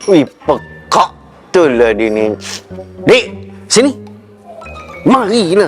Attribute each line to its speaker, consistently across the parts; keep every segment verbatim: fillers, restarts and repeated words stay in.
Speaker 1: Wih, pekak tu lah dia ni. Dek, sini. Marilah.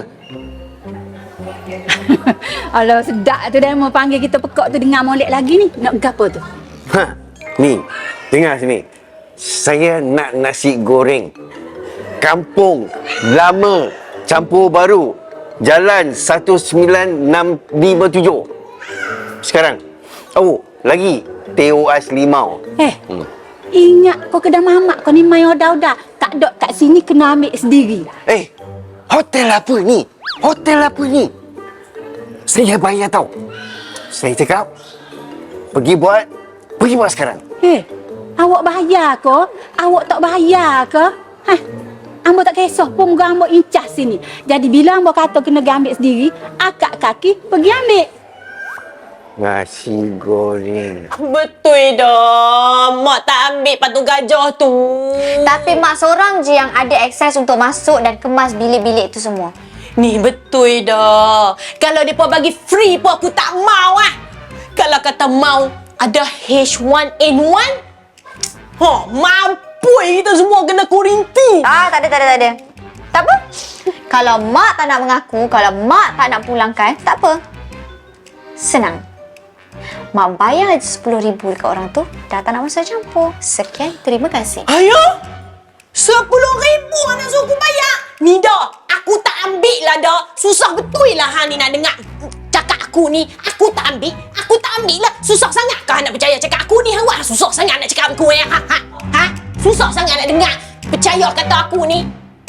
Speaker 2: Alah, sedap tu dah mau panggil kita pekak tu dengar molek lagi ni. Nak gapo tu?
Speaker 1: Ha, ni. Dengar sini. Saya nak nasi goreng. Kampung lama campur baru. Jalan satu sembilan enam lima tujuh. Sekarang. Oh, lagi T O S Limau.
Speaker 2: Eh, hmm. Ingat kau kedai mamak kau ni main odah-odah. Tak dok kat sini kena ambil sendiri.
Speaker 1: Eh, hotel apa ni? Hotel apa ni? Saya bayar tau. Saya cakap, pergi buat, pergi buat sekarang.
Speaker 2: Eh, awak bayar ke? Awak tak bayar ke? Hah? Ambo tak kisah pun muka ambo incas sini. Jadi bila ambo kata kena ambil sendiri, akak kaki pergi ambil.
Speaker 1: Nasi goreng.
Speaker 3: Betul dah. Mak tak ambil patung gajah tu.
Speaker 4: Tapi mak seorang je yang ada akses untuk masuk dan kemas bilik-bilik tu semua.
Speaker 3: Ni betul dah. Kalau mereka bagi free pun aku tak mau ah. Kalau kata mau ada H one N one, ha, mampu kita semua kena kuarantin.
Speaker 4: Ah, tak ada, tak ada, tak ada. Tak apa. Kalau mak tak nak mengaku, kalau mak tak nak pulangkan, tak apa. Senang. Mak bayar aja sepuluh ribu dekat orang tu, dah tak nak masuk campur. Sekian, terima kasih.
Speaker 3: Ayah? Sepuluh ribu nak suruh aku bayar? Ni dah, aku tak ambil lah dah. Susah betul lah hang ni nak dengar cakap aku ni. Aku tak ambil, aku tak ambil lah. Susah sangat kah nak percaya cakap aku ni? Wah, susah sangat nak cakap aku ya. Ha, ha, ha? Susah sangat nak dengar. Percaya kata aku ni.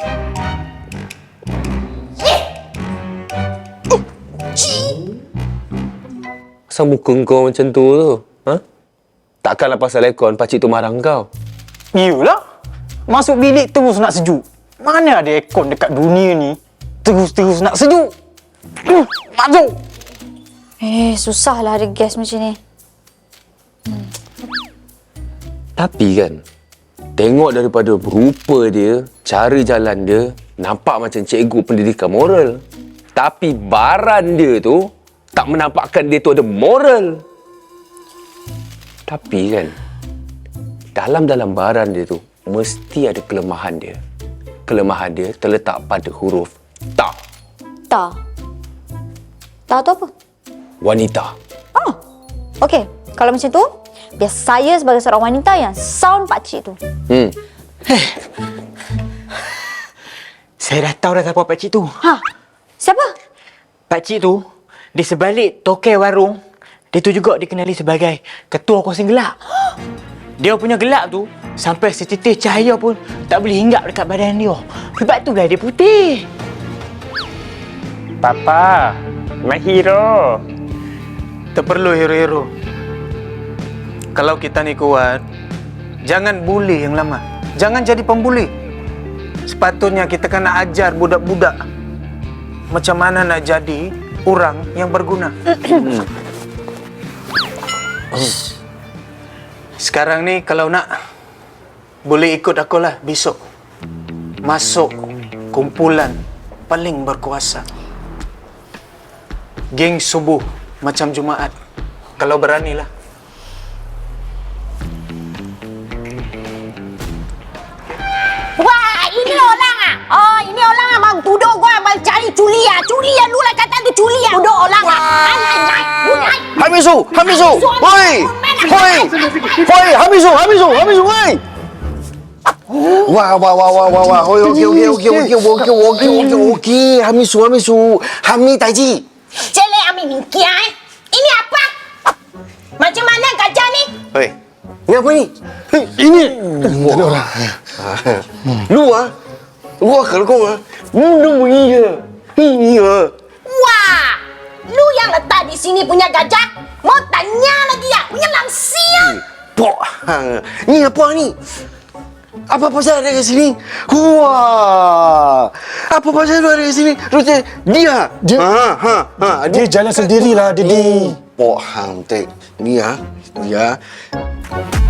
Speaker 3: Eh! Uh, Cik!
Speaker 5: Asal muka kau macam tu tu? Ha? Takkanlah pasal aircon pakcik tu marah kau.
Speaker 6: Iyalah. Masuk bilik terus nak sejuk. Mana ada aircon dekat dunia ni terus-terus nak sejuk? Uh, masuk.
Speaker 4: Eh, susahlah ada gas macam ni.
Speaker 5: Hmm. Tapi kan, tengok daripada rupa dia, cara jalan dia, nampak macam cikgu pendidikan moral. Tapi baran dia tu tak menampakkan dia tu ada moral. Tapi kan, dalam-dalam baran dia tu mesti ada kelemahan dia. Kelemahan dia terletak pada huruf ta.
Speaker 4: Tak. Tak tu apa?
Speaker 5: Wanita.
Speaker 4: Ah, okey. Kalau macam tu, biar saya sebagai seorang wanita yang sound pakcik tu.
Speaker 5: Hmm.
Speaker 6: Saya dah tahu dah siapa pakcik tu.
Speaker 4: Ha? Siapa?
Speaker 6: Pakcik tu, di sebalik tokai warung, dia tu juga dikenali sebagai ketua kosong gelap. Dia punya gelap tu, sampai setitik cahaya pun tak boleh hinggap dekat badan dia. Sebab itulah dia putih. Papa, my hero. Tak perlu hero-hero. Kalau kita ni kuat, jangan bully yang lama. Jangan jadi pembuli. Sepatutnya kita kena ajar budak-budak macam mana nak jadi orang yang berguna. Sekarang ni kalau nak, boleh ikut aku lah besok. Masuk kumpulan paling berkuasa. Geng subuh macam Jumaat. Kalau beranilah.
Speaker 3: Wah, ini orang ah. Oh, ini orang ah bang tuduh gua bang cari culia. Culia lu lah kata tu culia. Tuduh orang ah. Alai, alai.
Speaker 1: Hamisu, Hamisu. Hoi. Hoi. Hoi, Hamisu, Hamisu, Hamisu, hoi. Wah, wah, wah, wah, wah, wah. Hoi, okey, okey, okey, okey, okey, okey, okey, okey. Hamisu, Hamisu. Hami taji.
Speaker 3: Celek ami mingkia eh. Ini apa? Macam mana gajah ni?
Speaker 1: Hoi. Ini apa ni? Ini. Ada orang. Lu ah. Lu akal kau ah. Lu iya. Iya.
Speaker 3: Wah, lu yang letak di sini punya gajah? Mau tanya lagi ya? Punya langsia.
Speaker 1: Pok. Ni apa ni? Apa pasal ada kat sini? Wah. Apa pasal lu ada kat sini? Terus dia.
Speaker 7: Dia,
Speaker 1: ha, ha, ha.
Speaker 7: dia jalan sendirilah, Didi.
Speaker 1: Pok hang tek. Dia. Dia.